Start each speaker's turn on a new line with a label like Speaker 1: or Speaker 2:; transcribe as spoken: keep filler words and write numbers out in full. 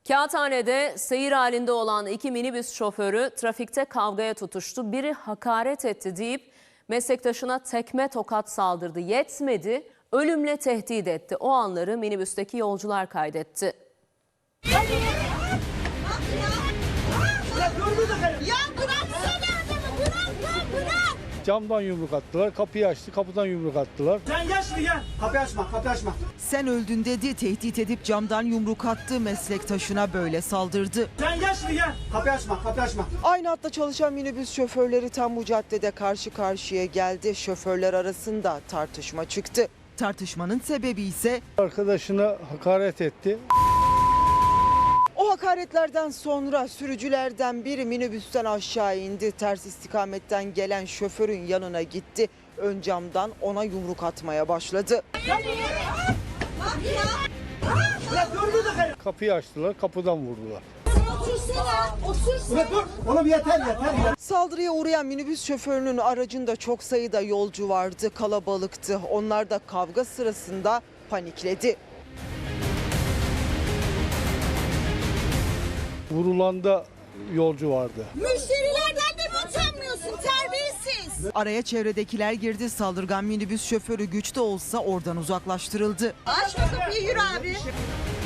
Speaker 1: Kağıthane'de seyir halinde olan iki minibüs şoförü trafikte kavgaya tutuştu. Biri hakaret etti deyip meslektaşına tekme tokat saldırdı. Yetmedi, ölümle tehdit etti. O anları minibüsteki yolcular kaydetti.
Speaker 2: Ya bıraksana adamı, bırak lan, bırak.
Speaker 3: Camdan yumruk attılar, kapıyı açtı, kapıdan yumruk attılar.
Speaker 4: Sen gel şimdi gel. Kapıyı açma, kapıyı açma.
Speaker 5: Sen öldün dedi, tehdit edip camdan yumruk attı, meslektaşına böyle saldırdı.
Speaker 4: Sen gel şimdi gel. Kapıyı açma, kapıyı açma.
Speaker 5: Aynı hatta çalışan minibüs şoförleri tam bu caddede karşı karşıya geldi. Şoförler arasında tartışma çıktı. Tartışmanın sebebi ise
Speaker 3: Arkadaşına hakaret etti.
Speaker 5: o hakaretlerden sonra sürücülerden biri minibüsten aşağı indi. Ters istikametten gelen şoförün yanına gitti. Ön camdan ona yumruk atmaya başladı.
Speaker 4: Ya dur dur da.
Speaker 3: Kapıyı açtılar, kapıdan vurdular.
Speaker 2: Otursana, otursana.
Speaker 4: Dur dur. Oğlum yeter yeter. yeter.
Speaker 5: Saldırıya uğrayan minibüs şoförünün aracında çok sayıda yolcu vardı, kalabalıktı. Onlar da kavga sırasında panikledi.
Speaker 3: Vurulanda yolcu vardı.
Speaker 2: Müşterilerden de mi utanmıyorsun, terbiyesiz?
Speaker 5: Araya çevredekiler girdi. Saldırgan minibüs şoförü güçte olsa oradan uzaklaştırıldı.
Speaker 2: Aç o kapıyı, yürü abi.